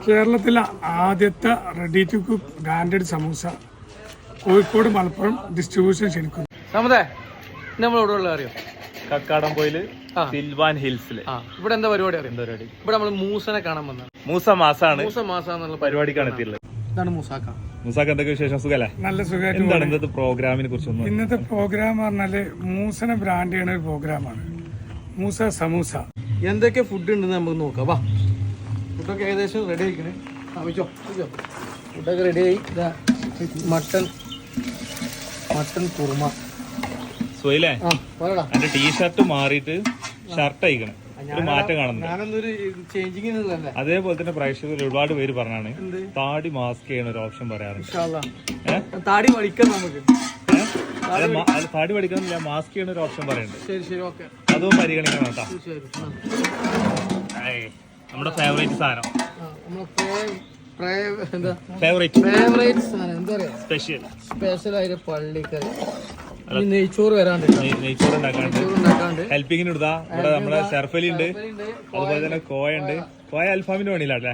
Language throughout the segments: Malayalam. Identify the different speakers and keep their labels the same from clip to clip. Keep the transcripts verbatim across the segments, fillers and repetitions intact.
Speaker 1: കേരളത്തിലെ ആദ്യത്തെ ready to cook branded samosa Kozhikode Malappuram distribution ക്ഷണിക്കുന്നു.
Speaker 2: നമ്മളോടുള്ള അറിയോ
Speaker 3: കക്കാടംപൊയില് സിൽവാൻ ഹിൽസില്
Speaker 2: ഇവിടെ എന്താ പരിപാടി അറിയാം? പരിപാടി ഇവിടെ നമ്മൾ മൂസനെ കാണാൻ വന്നത്.
Speaker 3: മൂസ മാസാണ്
Speaker 2: മൂസ മാസാന്നുള്ള
Speaker 3: പരിപാടിക്കാണ് എത്തിയുള്ളത്.
Speaker 2: ഇതാണ് മൂസാക്ക.
Speaker 3: മൂസാക്ക എന്തൊക്കെ വിശേഷം? സുഖല്ലേ?
Speaker 1: നല്ല സുഖമായിട്ട്.
Speaker 3: എന്താണ് ഇന്നത്തെ പ്രോഗ്രാമിനെ കുറിച്ച്?
Speaker 1: ഇന്നത്തെ പ്രോഗ്രാം പറഞ്ഞാല് മൂസനെ ബ്രാൻഡ് ചെയ്യുന്ന ഒരു പ്രോഗ്രാമാണ് മൂസ സമൂസ.
Speaker 2: എന്തൊക്കെ ഫുഡ് ഉണ്ടെന്ന് നമുക്ക് നോക്കാം. വാ, ഫുഡൊക്കെ ഏകദേശം റെഡി ആയിക്കണേ. വെച്ചോ വെച്ചോ ഫുഡൊക്കെ റെഡി ആയി. Mutton mutton kurma.
Speaker 3: സുഹൈലേ, എന്റെ ടീഷർട്ട് മാറിയിട്ട് ഷർട്ട് അയക്കണം, ഒരു മാറ്റം കാണുന്നു.
Speaker 2: ഞാനൊന്നൊരു ചേഞ്ചിങ്.
Speaker 3: അതേപോലെ തന്നെ പ്രേക്ഷകർ ഒരുപാട് പേര് പറഞ്ഞാണ് താടി മാസ്ക് ചെയ്യണ ഒരു ഓപ്ഷൻ പറയാറുണ്ട്.
Speaker 2: താടി വടിക്കാം നമുക്ക്.
Speaker 3: താടി പഠിക്കുന്നില്ല, മാസ്ക് ചെയ്യണ ഒരു ഓപ്ഷൻ പറയുന്നുണ്ട്.
Speaker 2: ശരി ശരി ഓക്കെ,
Speaker 3: അതും പരിഗണിക്കണം കേട്ടോ. നമ്മുടെ ഫേവറേറ്റ് സാധനം, സ്പെഷ്യൽ
Speaker 2: സ്പെഷ്യൽ ആയിട്ട് പള്ളിക്കറി, നെയ്ച്ചോറ് വരാണ്ട്,
Speaker 3: നെയ്ച്ചോറ് ഉണ്ടാക്കാണ്ട് ഹെൽപ്പിങ്ങിന് ഇടുതാ. ഇവിടെ നമ്മുടെ ഷെർഫലി ഉണ്ട്, അതുപോലെ തന്നെ കോയ ഉണ്ട്. കോയ അൽഫാമിന്റെ പണിയില്ലേ?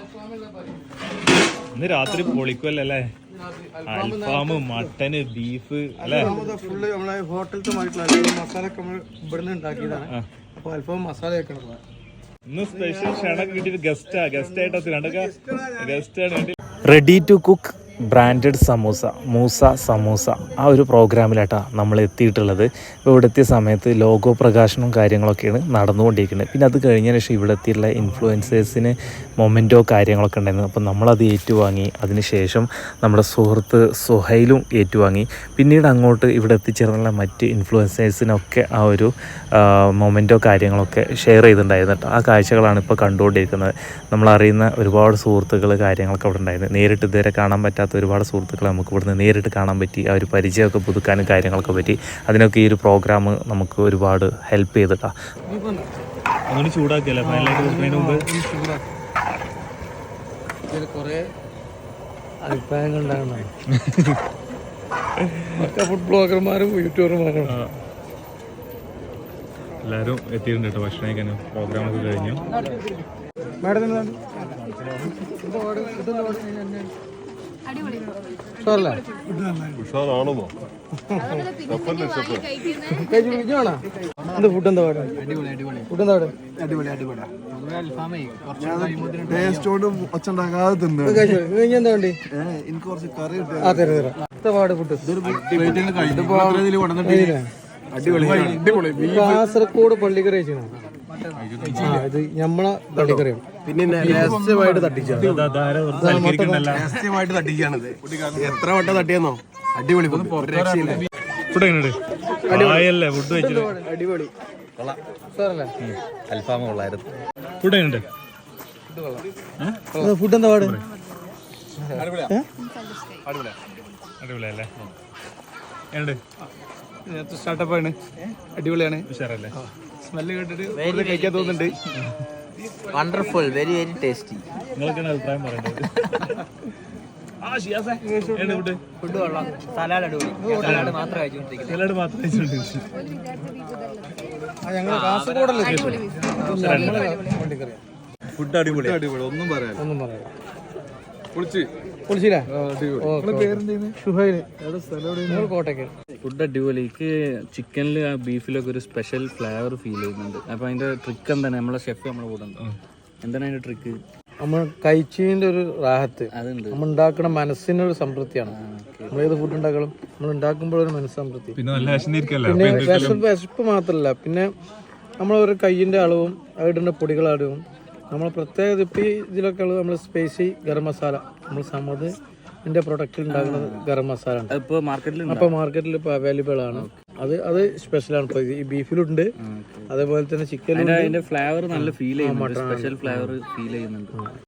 Speaker 3: ഇന്ന് രാത്രി പൊളിക്കുമല്ലോ അല്ലേ? അൽഫാം, മട്ടന്, ബീഫ് അല്ലേ?
Speaker 2: ഫുള്ള് നമ്മളെ ഹോട്ടലത്തെ മസാല ഒക്കെ നമ്മൾ ഇവിടുന്ന് ഉണ്ടാക്കിയതാണ്. അപ്പൊ അൽഫാം മസാല വെക്കണം.
Speaker 3: ഇന്ന് സ്പെഷ്യൽ ക്ഷണം കിട്ടിയിട്ട് ഗസ്റ്റാ ഗസ്റ്റ് ആയിട്ട് രണ്ടൊക്കെ ഗസ്റ്റ് ആണ്.
Speaker 4: Ready to cook branded samosa, Moosa samosa, ആ ഒരു പ്രോഗ്രാമിലായിട്ടാണ് നമ്മൾ എത്തിയിട്ടുള്ളത്. ഇപ്പോൾ ഇവിടെ എത്തിയ സമയത്ത് ലോഗോ പ്രകാശനവും കാര്യങ്ങളൊക്കെയാണ് നടന്നുകൊണ്ടിരിക്കുന്നത്. പിന്നെ അത് കഴിഞ്ഞതിന് ശേഷം ഇവിടെ എത്തിയിട്ടുള്ള ഇൻഫ്ലുവൻസേഴ്സിന് മൊമെൻറ്റോ കാര്യങ്ങളൊക്കെ ഉണ്ടായിരുന്നു. അപ്പോൾ നമ്മളത് ഏറ്റുവാങ്ങി. അതിനുശേഷം നമ്മുടെ സുഹൃത്ത് സുഹൈലും ഏറ്റുവാങ്ങി. പിന്നീട് അങ്ങോട്ട് ഇവിടെ എത്തിച്ചേർന്നുള്ള മറ്റ് ഇൻഫ്ലുവൻസേഴ്സിനൊക്കെ ആ ഒരു മൊമെൻറ്റോ കാര്യങ്ങളൊക്കെ ഷെയർ ചെയ്തിട്ടുണ്ടായിരുന്നു കേട്ടോ. ആ കാഴ്ചകളാണ് ഇപ്പോൾ കണ്ടുകൊണ്ടിരിക്കുന്നത്. നമ്മളറിയുന്ന ഒരുപാട് സുഹൃത്തുക്കൾ കാര്യങ്ങളൊക്കെ അവിടെ ഉണ്ടായിരുന്നു. നേരിട്ട് ഇതുവരെ കാണാൻ പറ്റാത്ത ഒരുപാട് സുഹൃത്തുക്കളെ നമുക്ക് ഇവിടുന്ന് നേരിട്ട് കാണാൻ പറ്റി. ആ ഒരു പരിചയമൊക്കെ പുതുക്കാനും കാര്യങ്ങളൊക്കെ പറ്റി. അതിനൊക്കെ ഈ ഒരു പ്രോഗ്രാം നമുക്ക് ഒരുപാട് ഹെൽപ്പ് ചെയ്തിട്ടാ.
Speaker 3: അങ്ങനെ ചൂടാക്കിയല്ലേ
Speaker 2: കുറെ അഭിപ്രായങ്ങൾ ഉണ്ടാകുന്നതാണ്. ഫുഡ് ബ്ലോഗർമാരും യൂട്യൂബർമാരും
Speaker 3: എല്ലാവരും എത്തിയിട്ടുണ്ട് കേട്ടോ. ഭക്ഷണം കഴിക്കാനും പ്രോഗ്രാമൊക്കെ കഴിഞ്ഞു.
Speaker 2: ഉഷാറാണെന്നോ? ഫുഡ് എന്താ പാട്? ഫുഡ് എന്താ പാട്?
Speaker 5: ടേസ്റ്റോടും ഒച്ചുണ്ടാക്കാതെ തിന്നു.
Speaker 2: എന്താ വേണ്ടി?
Speaker 5: എനിക്ക് കുറച്ച് കറി
Speaker 2: ആ തരാം തരാം. എന്താ പാട് ഫുഡ്? കാസർഗോഡ് പള്ളിക്കറി കഴിച്ചു. ഇത് നമ്മളെ പള്ളിക്കറിയാണ്. പിന്നെ രഹസ്യമായിട്ട് തട്ടിച്ചാണ് രഹസ്യമായിട്ട് തട്ടിച്ചാണിത്. എത്ര വട്ടം തട്ടിയെന്നോ? അടിപൊളി അടിപൊളി
Speaker 3: അൽഫാമ കൊള്ളായിരുന്നു. ഫുഡ് എങ്ങനെയുണ്ട്?
Speaker 2: ഫുഡ് എന്താ പാട്?
Speaker 3: അടിപൊളിയല്ലേ?
Speaker 2: സ്റ്റാർട്ടപ്പാണ്, അടിപൊളിയാണ്.
Speaker 3: ഉഷാറല്ലേ?
Speaker 2: സ്മെല്ല് കേട്ടിട്ട് കഴിക്കാൻ തോന്നുന്നുണ്ട്.
Speaker 6: Wonderful, very very tasty.
Speaker 3: നിങ്ങൾക്കാണ് അഭിപ്രായം പറയേണ്ടത്.
Speaker 6: ഫുഡ് കൊള്ളാം. സലാഡ് അടിപൊളി. സലാഡ് മാത്രം കഴിച്ചുകൊണ്ടിരിക്കുന്നത്.
Speaker 3: സലാഡ് മാത്രം കഴിച്ചുകൊണ്ടിരിക്കുന്നത്.
Speaker 5: ഫുഡ് അടിപൊളി അടിപൊളി ഒന്നും പറയാം
Speaker 2: ഒന്നും പറയാം.
Speaker 7: ഫുഡ് അടിപൊളി. എനിക്ക് ചിക്കനിൽ ആ ബീഫിലൊക്കെ ഒരു സ്പെഷ്യൽ ഫ്ലേവർ ഫീൽ ചെയ്യുന്നുണ്ട്. അപ്പൊ അതിന്റെ ട്രിക്ക് എന്താണ്? നമ്മളെ ഷെഫ് നമ്മളെ കൂടെ ഉണ്ട്. എന്താണ് അതിന്റെ ട്രിക്ക്?
Speaker 2: നമ്മൾ കഴിച്ചതിന്റെ ഒരു റാഹത്ത്,
Speaker 7: അതുണ്ട്.
Speaker 2: നമ്മൾ ഉണ്ടാക്കുന്ന മനസ്സിനൊരു സംതൃപ്തിയാണ്. നമ്മൾ ഏത് ഫുഡ് ഉണ്ടാക്കണം, നമ്മൾ ഉണ്ടാക്കുമ്പോഴൊരു മനസ്സ് സംതൃപ്തി. പിന്നെ വിശപ്പ് വിശപ്പ് മാത്രമല്ല, പിന്നെ നമ്മളൊരു കയ്യിന്റെ അളവും അതിടുന്ന പൊടികളുടെ അളവും നമ്മൾ പ്രത്യേകത ഇപ്പം ഇതിലൊക്കെ ഉള്ളത് നമ്മൾ സ്പൈസി ഗരം മസാല, നമ്മൾ സമത് ഇതിന്റെ പ്രൊഡക്റ്റിൽ ഉണ്ടാക്കുന്ന ഗരം മസാല ഉണ്ട്.
Speaker 7: ഇപ്പോൾ മാർക്കറ്റിൽ
Speaker 2: അപ്പോൾ മാർക്കറ്റിൽ ഇപ്പോൾ അവൈലബിൾ ആണ്. അത് അത് സ്പെഷ്യലാണ്. ഇപ്പോൾ ഈ ബീഫിലുണ്ട്, അതേപോലെ തന്നെ ചിക്കനിലും.
Speaker 7: അതിന്റെ ഫ്ലേവർ നല്ല ഫീൽ ചെയ്യുന്നുണ്ട്. സ്പെഷ്യൽ ഫ്ലേവർ ഫീൽ ചെയ്യുന്നുണ്ട്.